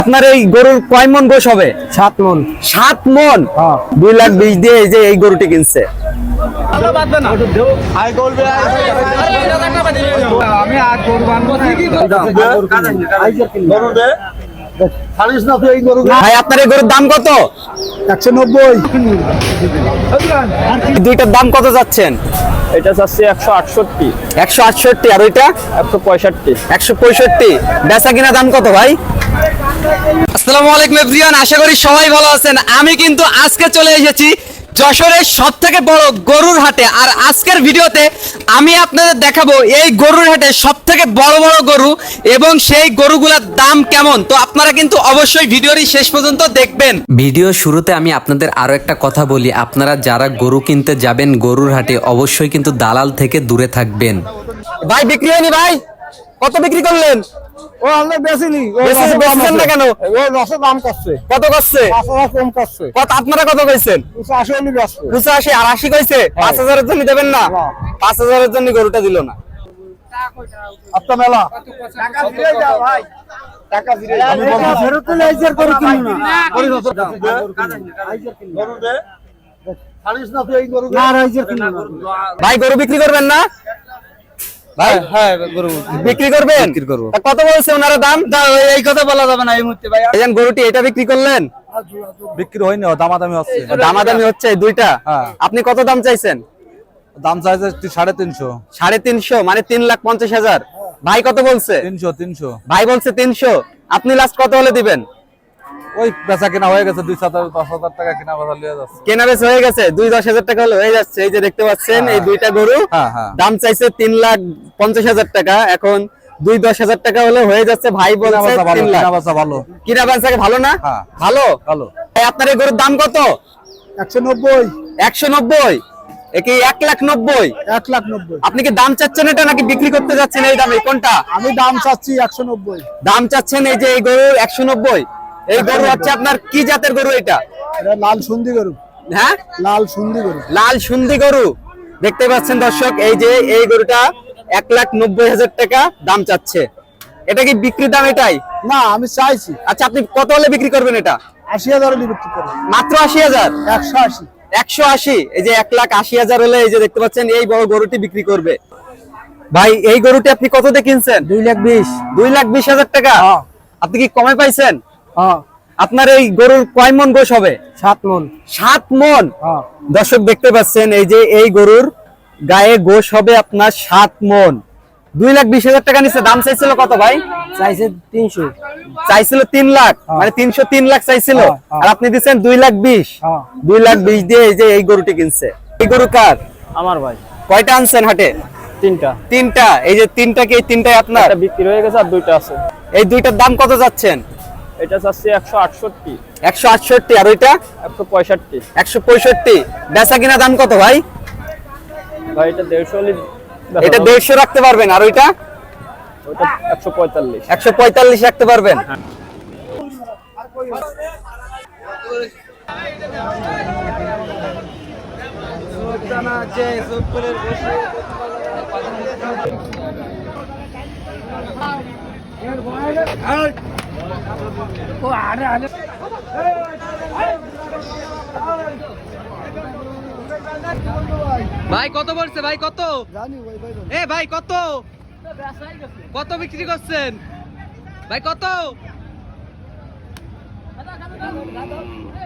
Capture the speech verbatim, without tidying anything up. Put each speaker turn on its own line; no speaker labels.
আপনার এই গরুর কয় মন গোশ হবে?
সাত মন।
সাত মন? দুই লাখ বিশ দিয়ে এই যে এই গরুটি কিনছে। ভাই আপনার এই গরুর দাম কত?
একশো নব্বই।
দুইটার দাম কত যাচ্ছেন?
এটা চাচ্ছি একশো আটষট্টি।
একশো আটষট্টি আর ওইটা
একশো পঁয়ষট্টি।
একশো পঁয়ষট্টি। বেচা কিনা দাম কত ভাই? আসসালামু আলাইকুম এভরিওয়ান, আশা করি সবাই ভালো আছেন। আমি কিন্তু আজকে চলে এসেছি যশোরের সব থেকে বড় গরুর হাটে। আর আজকের ভিডিওতে আমি আপনাদের দেখাবো এই গরুর হাটে সব থেকে বড় বড় গরু এবং সেই গরুগুলোর দাম কেমন। তো আপনারা কিন্তু অবশ্যই ভিডিওটি শেষ পর্যন্ত দেখবেন।
ভিডিও শুরুতে আমি আপনাদের আরো একটা কথা বলি, আপনারা যারা গরু কিনতে যাবেন গরুর হাটে অবশ্যই কিন্তু দালাল থেকে দূরে থাকবেন।
ভাই বিক্রি হয়নি ভাই? কত বিক্রি করলেন?
ও আমরা বেশিনি।
বেচছেন না কেন?
ও রসের দাম করছে।
কত করছে?
পাঁচ হাজার কম করছে।
কত আপনারা কত কইছেন?
পঁচাশি হলে ব্যস্ত।
পঁচাশি আর আশি কইছে? পাঁচ হাজারের জন্য দেবেন না? পাঁচ হাজারের জন্য গরুটা দিল না।
আপনার মেলা টাকা ফিরে যাও ভাই, টাকা ফিরে যাও। আমি বলছি ফেরত দিলে আইজার করে কিনো না। করে দাও আইজার কিনো। গরু দে খালিস না তুই এই গরু না আইজার কিনো না।
ভাই গরু বিক্রি করবেন না? ভাই
হ্যাঁ গরু
বিক্রি করবেন?
বিক্রি করব।
কত বলছে ওনারা দাম?
এই কথা বলা যাবে না এই মুহূর্তে ভাই।
এই যে গরুটি এটা বিক্রি করলেন?
বিক্রি হয়নি, দামাদামি হচ্ছে।
দামাদামি হচ্ছে দুইটা?
হ্যাঁ।
আপনি কত দাম চাইছেন?
দাম চাইছে সাড়ে তিনশো।
সাড়ে তিনশো মানে তিন লাখ পঞ্চাশ হাজার। ভাই কত বলছে?
তিনশো তিনশো।
ভাই বলছে তিনশো। আপনি লাস্ট কত হলে দিবেন?
ওই বেচা কেনা হয়ে গেছে, দুই হাজার দশ হাজার টাকা কেনা বেচা লিয়ে যাচ্ছে।
কেনা বেচা হয়ে গেছে, দুই দশ হাজার টাকা হলে হয়ে যাচ্ছে। এই যে দেখতে পাচ্ছেন এই দুইটা গরু
হ্যাঁ, হ্যাঁ।
দাম চাইছে তিন লাখ পঞ্চাশ হাজার টাকা, এখন দুই দশ হাজার টাকা হলে হয়ে যাচ্ছে। ভাই বলছে তিন লাখ।
কেনা বেচা ভালো।
কিনা বেচা ভালো না?
হ্যাঁ।
ভালো
ভালো।
ভাই আপনার এই গরুর দাম কত?
একশো নব্বই।
একশো নব্বই? একে এক লাখ নব্বই?
এক লাখ নব্বই।
আপনি কি দাম চাচ্ছেন এটা নাকি বিক্রি করতে যাচ্ছেন এই দামে? কোনটা?
আমি দাম চাচ্ছি একশো নব্বই।
দাম চাচ্ছেন এই যে এই গরু একশো নব্বই। এই গরু হচ্ছে আপনার কি জাতের গরু এটা?
এটা লাল সুন্দি গরু।
হ্যাঁ
লাল সুন্দি গরু।
লাল সুন্দি গরু। দেখতে পাচ্ছেন দর্শক, এই যে এই গরুটা এক লাখ নব্বই হাজার টাকা দাম চাচ্ছে। এটা কি বিক্রির দাম এটাই?
না আমি চাইছি।
আচ্ছা আপনি কত হলে বিক্রি করবেন এটা?
আশি হাজার হলে বিক্রি করবো।
মাত্র আশি হাজার?
একশো আশি।
একশো আশি। এই যে এক লাখ আশি হাজার হলে এই যে দেখতে পাচ্ছেন এই বড় গরুটি বিক্রি করবে। ভাই এই গরুটি আপনি কত দিয়ে কিনছেন?
দুই লাখ বিশ।
দুই লাখ বিশ হাজার টাকা? আপনি কি কমে পাইছেন?
হ্যাঁ।
আপনার এই গরুর কয় মন গোশ হবে?
সাত মন।
সাত মন?
হ্যাঁ।
দর্শক দেখতে পাচ্ছেন এই যে এই গরুর গায়ে গোশ হবে আপনার সাত মন। দুই লাখ বিশ হাজার টাকা নিচ্ছে। দাম চাইছিল কত ভাই?
চাইছে তিনশো।
চাইছিল তিন লাখ, মানে তিনশো তিন লাখ চাইছিল। আর আপনি দিচ্ছেন দুই লাখ বিশ। দুই লাখ বিশ দিয়ে এই যে এই গরুটি কিনছে। এই গরু কার?
আমার ভাই।
কয়টা আনছেন হাটে?
তিনটা।
তিনটা। এই যে তিনটা কি এই তিনটাই আপনার?
একটা বিক্রি হয়ে গেছে আর দুইটা আছে।
এই দুইটার দাম কত যাচ্ছেন?
এটা চাচ্ছি একশো আটষট্টি।
একশো আটষট্টি আর ওইটা?
একশো পঁয়ষট্টি।
একশো পঁয়ষট্টি। বেচা কিনা দাম কত ভাই?
ভাই এটা দেড়শো হলে
এটা দেড়শো রাখতে পারবেন আর ওইটা?
ওটা একশো পঁয়তাল্লিশ।
একশো পঁয়তাল্লিশ রাখতে পারবেন? ভাই কত বলছে? ভাই কত? এ ভাই কত কত বিক্রি করছেন ভাই? কত?